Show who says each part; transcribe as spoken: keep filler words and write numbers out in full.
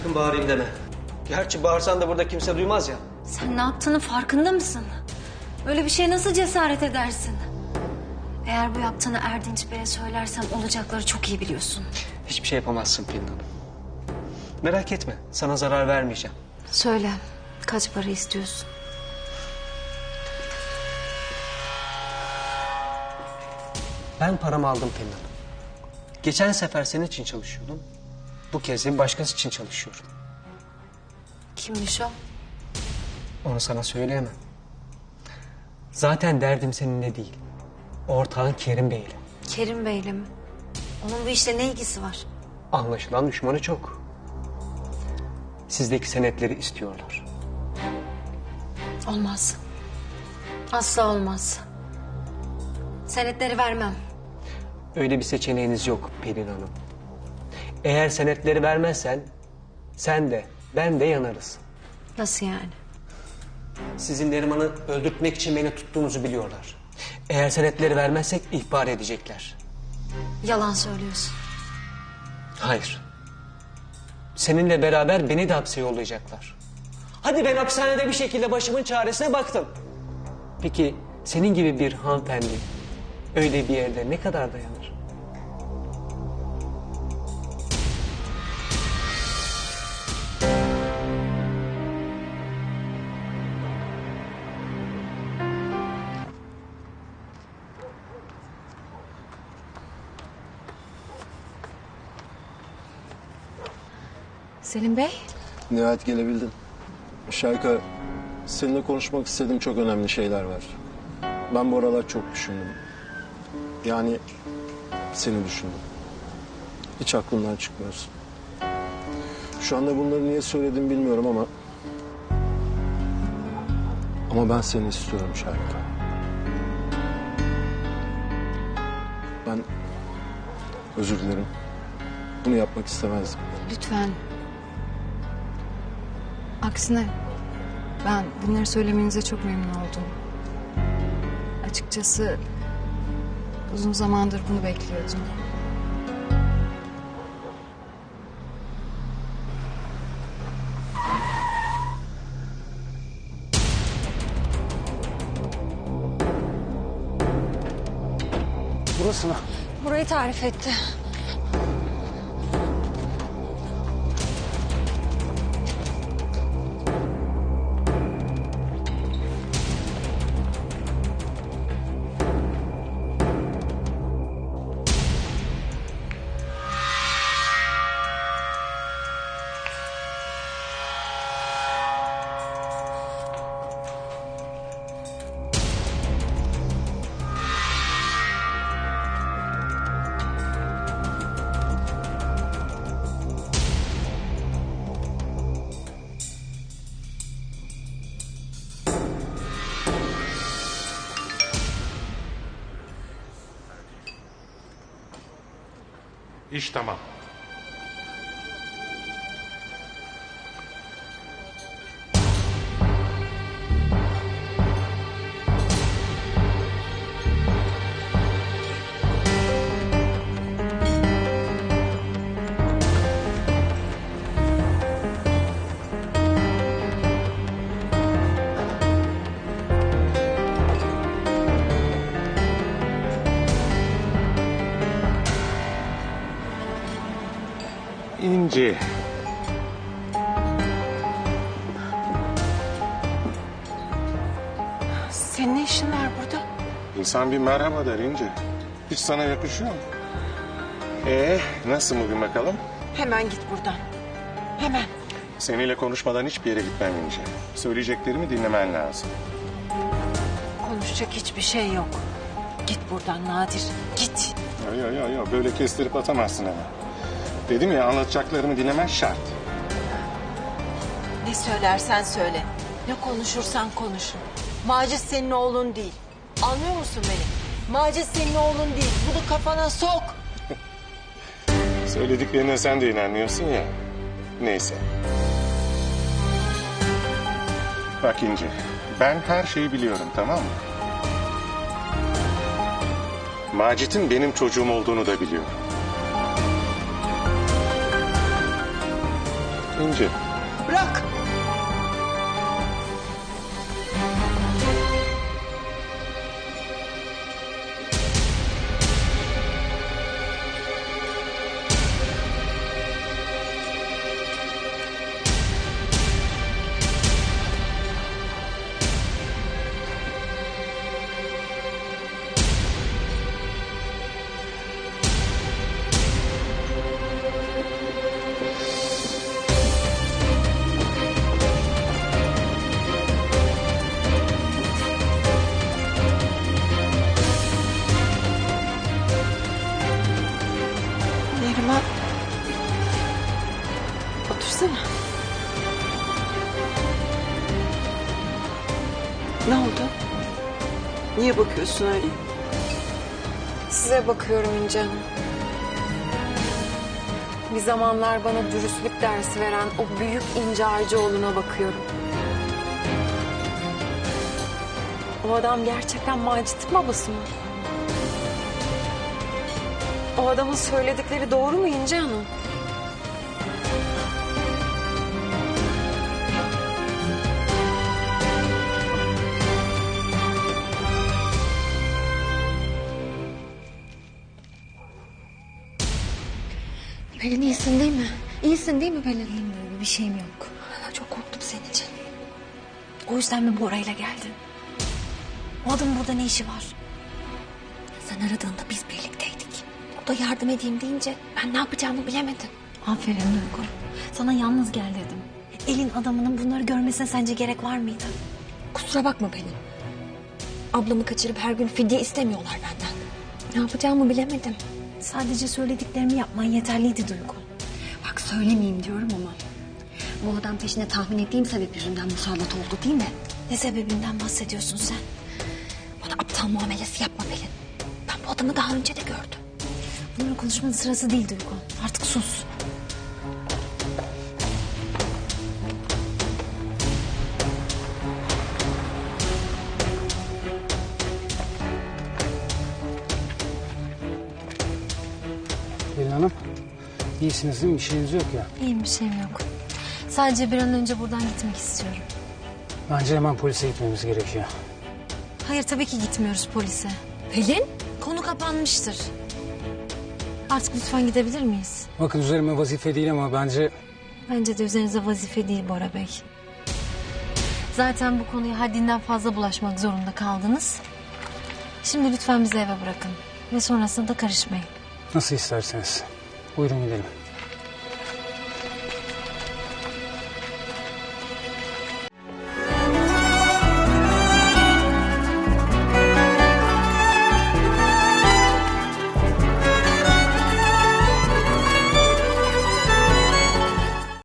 Speaker 1: sakın bağırayım deme. Gerçi bağırsan da burada kimse duymaz ya.
Speaker 2: Sen ne yaptığının farkında mısın? Böyle bir şeye nasıl cesaret edersin? Eğer bu yaptığını Erdinç Bey'e söylersem olacakları çok iyi biliyorsun.
Speaker 1: Hiçbir şey yapamazsın Pelin Hanım. Merak etme, sana zarar vermeyeceğim.
Speaker 2: Söyle, kaç para istiyorsun?
Speaker 1: Ben paramı aldım Pelin Hanım. Geçen sefer senin için çalışıyordum. Bu kez de başkası için çalışıyorum.
Speaker 2: Kimmiş o?
Speaker 1: Onu sana söyleyemem. Zaten derdim seninle değil. Ortağın Kerim Bey'le.
Speaker 2: Kerim Bey'le mi? Onun bu işle ne ilgisi var?
Speaker 1: Anlaşılan düşmanı çok. Sizdeki senetleri istiyorlar.
Speaker 2: Olmaz. Asla olmaz. Senetleri vermem.
Speaker 1: Öyle bir seçeneğiniz yok Pelin Hanım. Eğer senetleri vermezsen sen de ben de yanarız.
Speaker 2: Nasıl yani?
Speaker 1: Sizin Neriman'ı öldürtmek için beni tuttuğunuzu biliyorlar. Eğer senetleri vermezsek ihbar edecekler.
Speaker 2: Yalan söylüyorsun.
Speaker 1: Hayır. Seninle beraber beni de hapse yollayacaklar. Hadi ben hapishanede bir şekilde başımın çaresine baktım. Peki senin gibi bir hanımefendi öyle bir yerde ne kadar dayanır?
Speaker 2: Selim Bey.
Speaker 3: Nihayet gelebildin. Şayka, seninle konuşmak istediğim çok önemli şeyler var. Ben bu aralar çok düşündüm. Yani seni düşündüm. Hiç aklımdan çıkmıyorsun. Şu anda bunları niye söyledim bilmiyorum ama... Ama ben seni istiyorum Şayka. Ben özür dilerim. Bunu yapmak istemezdim.
Speaker 4: Lütfen. Aksine ben bunları söylemenize çok memnun oldum. Açıkçası uzun zamandır bunu bekliyordum.
Speaker 1: Burası mı?
Speaker 2: Burayı tarif etti.
Speaker 5: İş tamam. İnci.
Speaker 6: Senin ne işin var burada?
Speaker 5: İnsan bir merhaba der İnci. Hiç sana yakışıyor mu? Ee, nasıl bugün bakalım?
Speaker 6: Hemen git buradan. Hemen.
Speaker 5: Seninle konuşmadan hiçbir yere gitmem İnci. Söyleyeceklerimi dinlemen lazım.
Speaker 6: Konuşacak hiçbir şey yok. Git buradan Nadir. Git.
Speaker 5: Yo yo yo yo böyle kestirip atamazsın hemen. Dedim ya anlatacaklarımı dinlemen şart.
Speaker 6: Ne söylersen söyle. Ne konuşursan konuş. Macit senin oğlun değil. Anlıyor musun beni? Macit senin oğlun değil. Bunu kafana sok.
Speaker 5: Söylediklerine sen de inanmıyorsun ya. Neyse. Bak İnci, ben her şeyi biliyorum, tamam mı? Macit'in benim çocuğum olduğunu da biliyorum. İnci.
Speaker 6: Bırak. Neriman. Otursana. Ne oldu? Niye bakıyorsun öyle?
Speaker 4: Size bakıyorum İnce Hanım. Bir zamanlar bana dürüstlük dersi veren o büyük İnce Arcıoğlu'na bakıyorum. O adam gerçekten Macit'in babası mı? O adamın söyledikleri doğru mu İnce Hanım?
Speaker 2: Pelin iyisin değil mi? İyisin değil mi Pelin? İyiyim böyle bir şeyim yok. Çok korktum senin için. O yüzden mi Bora'yla geldin? O adamın burada ne işi var? Sen aradığında biz birlikteydik. O da yardım edeyim deyince ben ne yapacağımı bilemedim. Aferin Duygu. Sana yalnız gel dedim. Elin adamının bunları görmesine sence gerek var mıydı? Kusura bakma Pelin. Ablamı kaçırıp her gün fidye istemiyorlar benden. Ne yapacağımı bilemedim. Sadece söylediklerimi yapman yeterliydi Duygu. Bak söylemeyeyim diyorum ama... bu adam peşine tahmin ettiğim sebep yüzünden musallat oldu değil mi? Ne sebebinden bahsediyorsun sen? Bana aptal muamelesi yapma Pelin. Ben bu adamı daha önce de gördüm. Bunların konuşmanın sırası değil Duygu. Artık sus.
Speaker 7: Pelin Hanım, iyisiniz değil mi? Bir şeyiniz yok ya.
Speaker 2: İyiyim, bir şeyim yok. Sadece bir an önce buradan gitmek istiyorum.
Speaker 7: Bence hemen polise gitmemiz gerekiyor.
Speaker 2: Hayır, tabii ki gitmiyoruz polise. Pelin? Konu kapanmıştır. Artık lütfen gidebilir miyiz?
Speaker 7: Bakın üzerime vazife değil ama bence...
Speaker 2: Bence de üzerinize vazife değil Bora Bey. Zaten bu konuya haddinden fazla bulaşmak zorunda kaldınız. Şimdi lütfen bizi eve bırakın. Ve sonrasında da karışmayın.
Speaker 7: Nasıl isterseniz. Buyurun gidelim.